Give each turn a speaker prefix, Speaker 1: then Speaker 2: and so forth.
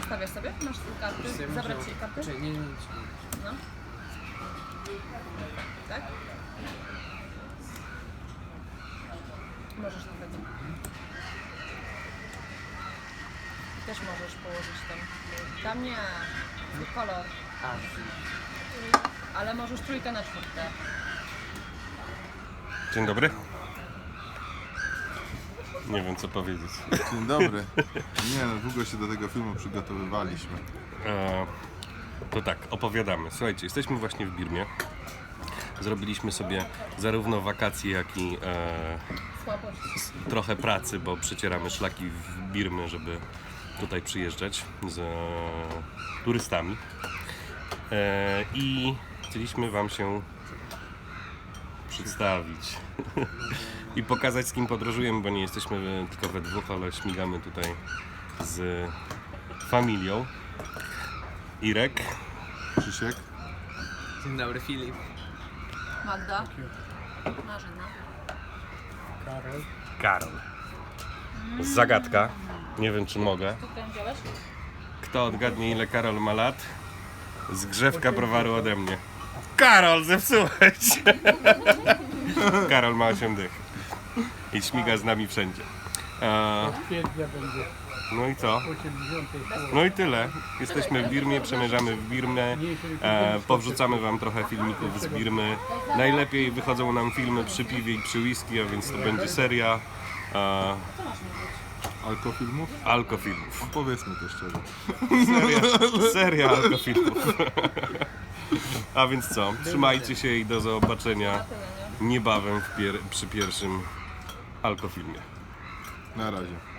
Speaker 1: Zostawiasz sobie? Masz karty? Zabrać ci karty?
Speaker 2: Nie.
Speaker 1: No. Tak? Możesz nawet. Też możesz położyć tam. Tam nie. Kolor. Ale możesz 3 na 4.
Speaker 3: Dzień dobry. Nie wiem co powiedzieć.
Speaker 4: Dzień dobry. Nie no, długo się do tego filmu przygotowywaliśmy.
Speaker 3: To tak, opowiadamy. Słuchajcie, jesteśmy właśnie w Birmie. Zrobiliśmy sobie zarówno wakacje, jak i
Speaker 1: Słabość.
Speaker 3: trochę pracy, bo przecieramy szlaki w Birmy, żeby tutaj przyjeżdżać z turystami. I chcieliśmy Wam się przedstawić i pokazać, z kim podróżujemy, bo nie jesteśmy tylko we dwóch, ale śmigamy tutaj z familią. Irek,
Speaker 4: Krzysiek?
Speaker 2: Dzień dobry, Filip.
Speaker 1: Magda. Marzena.
Speaker 3: Karol. Zagadka. Nie wiem, czy mogę.
Speaker 1: Co tam wziąłeś?
Speaker 3: Kto odgadnie, ile Karol ma lat? Zgrzewka browaru ode mnie. Karol, zepsułeś! Karol ma 8 dych. I śmiga z nami wszędzie.
Speaker 5: Kwietnia będzie
Speaker 3: No i co?
Speaker 5: 80.
Speaker 3: No i tyle. Jesteśmy w Birmie, przemierzamy w Birmę. Powrzucamy Wam trochę filmików z Birmy. Najlepiej wychodzą nam filmy przy piwie i przy whisky, a więc to będzie seria
Speaker 4: Alkofilmów?
Speaker 3: alkofilmów.
Speaker 4: No, powiedzmy to szczerze.
Speaker 3: Seria alkofilmów. A więc co? Trzymajcie się i do zobaczenia niebawem przy pierwszym alkofilmie.
Speaker 4: Na razie.